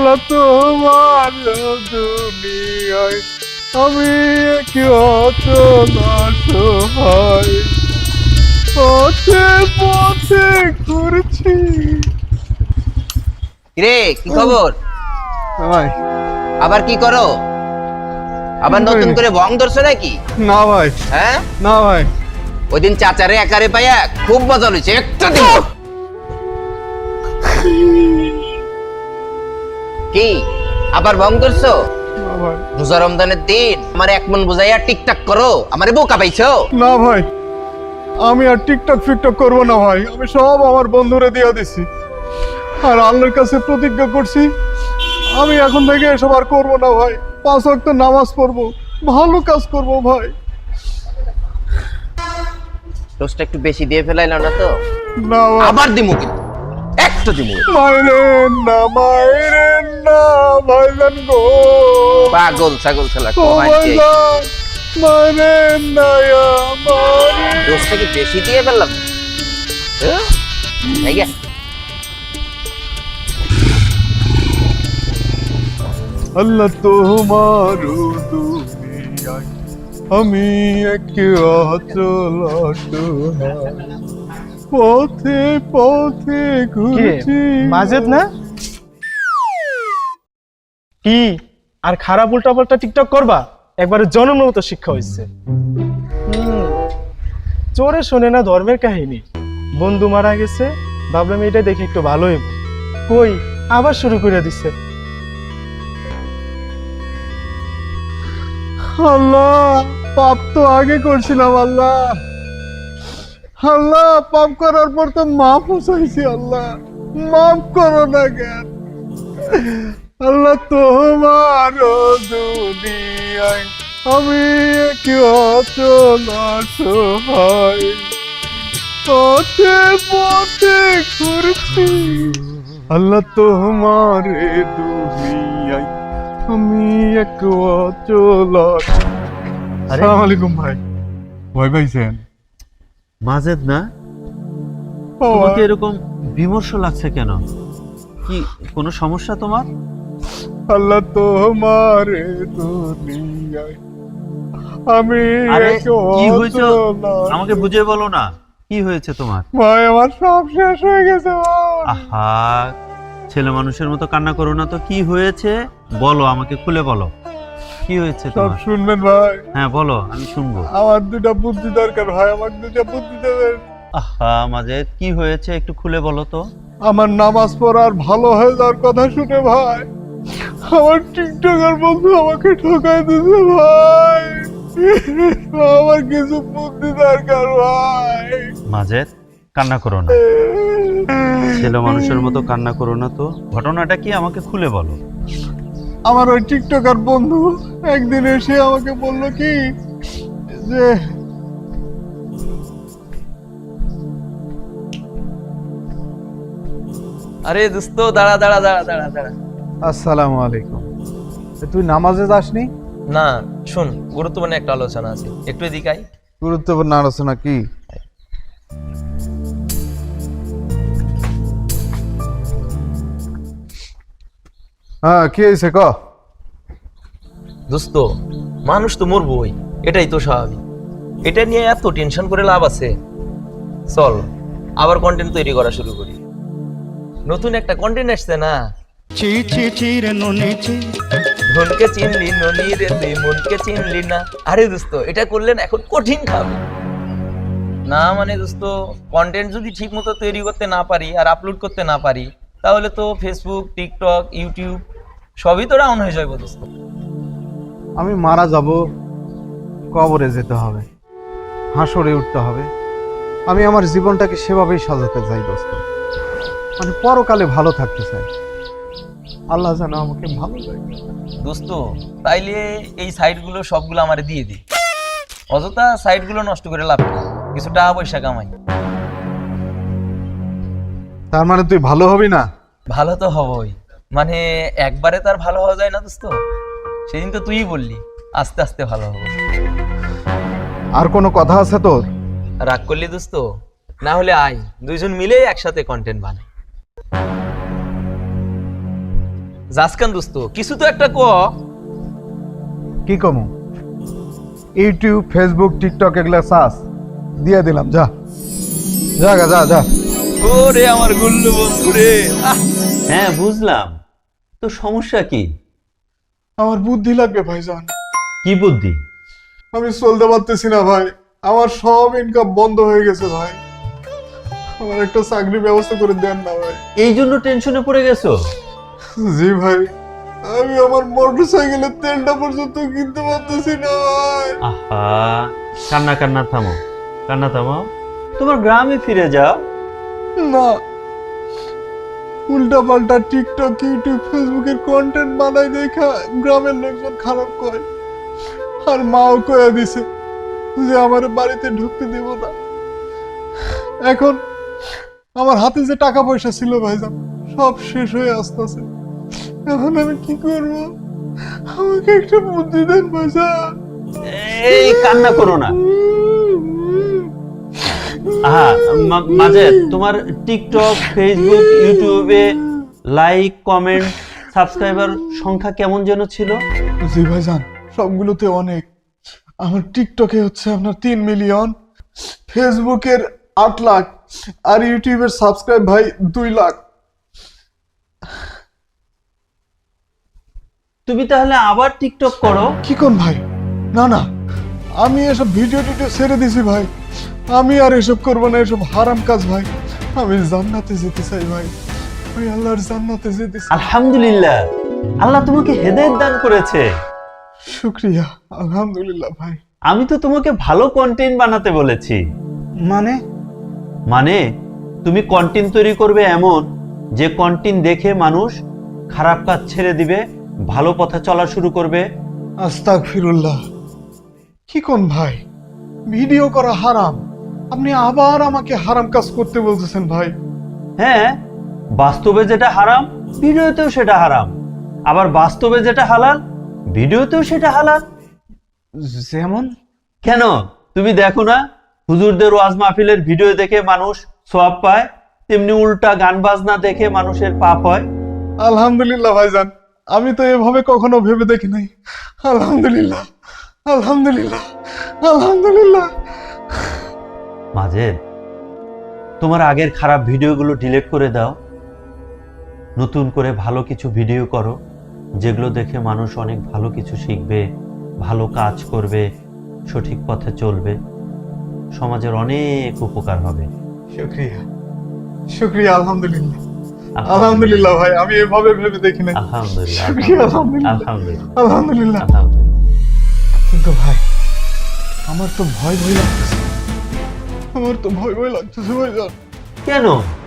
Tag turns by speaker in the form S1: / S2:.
S1: আল্লাহ তোমার দুনিয়ায় আমি কি অচল অসহায় পথে পথে ঘুরছি।
S2: রে কি খবর?
S1: ভাই
S2: আবার কি করো? আবার নতুন করে ভং ধরছো নাকি?
S1: না ভাই,
S2: হ্যাঁ
S1: না ভাই।
S2: ওই দিন চাচারে একারে পাইয়া খুব মজা হয়েছে, একটা দিন। কি আবার ভং ধরছো?
S1: না ভাই,
S2: রোজা রমজানের দিন আমার এক মন বুঝাইয়া টিকটাক করো, আমারে বোকা পাইছো?
S1: না ভাই, আমি আর টিকটক ফিকটক করবো না ভাই। আমি সব আমার বন্ধুরে দিয়ে দিছি আর আল্লাহর কাছে প্রতিজ্ঞা করছি আমি এখন থেকে এসব আর করবো না ভাই। 5 ওয়াক্ত নামাজ পড়বো, ভালো কাজ করবো ভাই।
S2: দোষটা একটু বেশি দিয়ে ফেলাইল না তো?
S1: না ভাই,
S2: আবার দিমু কিন্তু, একটা দিমু।
S1: মায়ের না ভাইজান গো,
S2: পাগল ছাগল খেলা
S1: ও
S2: কমাইছে।
S1: ভাইজান মায়ের না আমারে।
S2: দোষটা কি বেশি দিয়ে ফেললাম? হ্যাঁ? এই গে।
S1: আল্লাহ তোমার দুনিয়ায় আমি এক অচল অসহায় পথে পথে ঘুরছি।
S3: মাজেদ না কি আর খারাপ উল্টা পাল্টা টিকটক করবা? একবারে জনমের মতো শিক্ষা হয়েছে। চোরে শোনে না ধর্মের কাহিনী। বন্ধু মারা গেছে, ভাবলাম এটা দেখে একটু ভালোই। কই আবার শুরু করে দিচ্ছে।
S1: আল্লাহ পাপ তো আগে করছিলাম আল্লাহ, আল্লাহ পাপ করার পর তো মাফ চাইছি আল্লাহ, মাফ করো না কেন? আল্লাহ তোমার দুনিয়ায় আমি কি অচল অসহায় পথে পথে ঘুরছি। আল্লাহ তোমার দুনিয়ায় আমি এক অচল। আসসালামু আলাইকুম ভাই। ভয় পাইছেন?
S4: মাজেদ না,
S1: ও
S4: তোমাকে এরকম বিমর্ষ লাগছে কেন? কি কোনো সমস্যা তোমার?
S1: আল্লাহ তোমার দুনিয়ায় আমি
S4: আরে
S1: এক
S4: কি হয়েছে
S1: অচল।
S4: আমাকে বুঝিয়ে বলো না, কি হয়েছে তোমার?
S1: ভাই আমার সব শেষ হয়ে গেছে ভাই।
S4: আহা, ছেলে মানুষের মতো কান্না করো না তো। কি হয়েছে বলো, আমাকে খুলে বলো, কি হয়েছে
S1: সব
S4: তোমার?
S1: শুনবেন ভাই।
S4: হ্যাঁ বলো, আমি শুনবো।
S1: আমার 2টা বুদ্ধি দরকার ভাই, আমার 2টা বুদ্ধি দেবেন।
S4: আহা মাজেদ, কি হয়েছে একটু খুলে বলো তো।
S1: আমার নামাজ পড়ার ভালো হয়ে যাওয়ার কথা শুনে ভাই আমার টিকটকার বন্ধু আমাকে ঠকাই দিছে ভাই। আমার কিছু বুদ্ধি দরকার ভাই।
S4: মাজেদ কান্না করো না, ছেলে মানুষের মতো কান্না করো না তো। ঘটনাটা কি আমাকে খুলে বলো।
S1: আমার ওই টিকটকার বন্ধু একদিন এসে আমাকে বলল কি যে
S5: আরে দোস্ত দাঁড়া দাঁড়া দাঁড়া দাঁড়া দাঁড়া।
S1: আসসালামু আলাইকুম, তুই নামাজে যাসনি?
S5: না শুন, গুরুত্বপূর্ণ একটা আলোচনা আছে, একটু এদিকে আয়।
S1: গুরুত্বপূর্ণ আলোচনা কি? হ্যাঁ কি হয়েছে ক?
S5: দোস্ত মানুষ তো মরবই, এটাই তো স্বাভাবিক। এটা নিয়ে এত টেনশন করে লাভ আছে? চল আবার কন্টেন্ট তৈরি করা শুরু করি। নতুন একটা কন্টেন্ট আসছে না, ধনকে চিনলি ননি রে তুই মনকে চিনলি না। আরে দোস্ত এটা করলেন এখন কঠিন খাবে না। মানে দোস্ত কন্টেন্ট যদি ঠিক মতো তৈরি করতে না পারি আর আপলোড করতে না পারি, তাহলে তো ফেসবুক, টিকটক, ইউটিউব সবই তো ডাউন হয়ে যাবে দোস্ত।
S6: আমি মারা যাব, কবরে যেতে হবে, হাসরে উঠতে হবে। আমি আমার জীবনটাকে সেভাবেই সাজাতে চাই দোস্ত, মানে পরকালে ভালো থাকতে চাই। আল্লাহ যেন আমাকে ভালো রাখে।
S5: দোস্ত তাইলে এই সাইটগুলো সবগুলো আমারে দিয়ে দি, অযথা সাইটগুলো নষ্ট করে লাভ নেই, কিছু টাকা পয়সা কামাই।
S6: তার মানে তুই ভালো হবি না?
S5: ভালো তো হবই, মানে একবারে তার ভালো হওয়া যায় না দোস্ত। সেদিন তো তুই বললি আস্তে আস্তে ভালো হবো।
S6: আর কোনো কথা আছে তোর?
S5: রাগ করলি দোস্ত? না হলে আয় দুইজন মিলে একসাথে কন্টেন্ট বানাই। জাসকান দোস্ত কিছু তো একটা ক।
S6: কি কমু ইউটিউব ফেসবুক টিকটক এগুলা সাস দিয়ে দিলাম, যা যা গা, যা যা।
S5: ওরে আমার গুল্লু বন্ধু রে,
S4: হ্যাঁ বুঝলাম, তো সমস্যা কি?
S1: আমার বুদ্ধি লাগবে ভাইজান।
S4: কি বুদ্ধি?
S1: আমি চলতে পারতেছি না ভাই, আমার সব ইনকাম বন্ধ হয়ে গেছে ভাই। আমার একটা চাকরির ব্যবস্থা করে দেন না ভাই।
S4: এই জন্য টেনশনে পড়ে গেছো?
S1: জি ভাই, আমি আমার মোটর সাইকেলের তেলটা পর্যন্ত কিনতে পারতেছি না ভাই।
S4: আহা, কান্না কান্না থামো, কান্না থামাও, তোমার গ্রামে ফিরে যাও।
S1: না, উল্টা পাল্টা টিকটক ইউটিউব ফেসবুকের কন্টেন্ট বানাই দেখা গ্রামের লোকজন খারাপ কয়, আর মাও কয়া দিছে যে আমার বাড়িতে ঢুকতে দেব না। এখন আমার হাতে যে টাকা পয়সা ছিল ভাইজান সব শেষ হয়ে আসতেছে। এখন আমি কি করব? আমাকে একটা বুদ্ধি দেন ভাইজান।
S4: এই কান্না করো না। আহা, মাঝে তোমার টিকটক ফেসবুক ইউটিউবে লাইক কমেন্ট সাবস্ক্রাইবার সংখ্যা কেমন যেন ছিল?
S1: জি ভাইজান, সবগুলোতে অনেক। আমার টিকটকে হচ্ছে আপনার 3 মিলিয়ন, ফেসবুকের 8 লাখ, আর ইউটিউবের সাবস্ক্রাইব ভাই 2 লাখ।
S4: তুমি তাহলে আবার টিকটক করো।
S1: কি কোন ভাই? না না, আমি এসব ভিডিও টিডিও ছেড়ে দিছি ভাই। আমি আর এসব করবো না, এসব হারাম কাজ ভাই। আমি জান্নাতে যেতে চাই ভাই, আমি আল্লাহর জান্নাতে যেতে চাই।
S4: আলহামদুলিল্লাহ, আল্লাহ তোমাকে হেদায়েত দান করেছে।
S1: শুকরিয়া, আলহামদুলিল্লাহ ভাই।
S4: আমি তো তোমাকে ভালো কন্টেন্ট বানাতে বলেছি। মানে তুমি কন্টেন্ট তৈরি করবে এমন যে কন্টেন্ট দেখে মানুষ খারাপ কাজ ছেড়ে দিবে, ভালো পথে চলা শুরু করবে।
S1: আস্তাগফিরুল্লাহ। কি কোন ভাই? ভিডিও করা হারাম, আপনি আবার আমাকে হারাম কাজ করতে বলতেছেন ভাই?
S4: হ্যাঁ, বাস্তবে যেটা হারাম ভিডিওতেও সেটা হারাম, আবার বাস্তবে যেটা হালাল ভিডিওতেও সেটা হালাল।
S6: যেমন
S4: কেন তুমি দেখো না, হুজুরদের ওয়াজ মাহফিলের ভিডিও দেখে মানুষ সওয়াব পায়, তেমনি উল্টা গান বাজনা দেখে মানুষের পাপ হয়।
S1: আলহামদুলিল্লাহ ভাইজান, আমি তো এভাবে কখনো ভেবে দেখি নাই। আলহামদুলিল্লাহ, আলহামদুলিল্লাহ, আলহামদুলিল্লাহ।
S4: মাঝের তোমার আগের খারাপ ভিডিওগুলো ডিলিট করে দাও, নতুন করে ভালো কিছু ভিডিও করো, যেগুলো দেখে মানুষ অনেক ভালো কিছু শিখবে, ভালো কাজ করবে, সঠিক পথে চলবে, সমাজের অনেক উপকার হবে।
S1: শুকরিয়া, শুকরিয়া, আলহামদুলিল্লাহ, আলহামদুলিল্লাহ ভাই, আমি এভাবে ভেবে দেখি নাই।
S4: আলহামদুলিল্লাহ,
S1: শুকরিয়া, আলহামদুলিল্লাহ,
S4: আলহামদুলিল্লাহ,
S1: আলহামদুলিল্লাহ।
S4: আলহামদুলিল্লাহ।
S1: কিন্তু ভাই, আমার তো ভয় ভয় লাগতেছে, আমার তো ভয় ভয় লাগতেছে ভাইজান।
S4: কেন?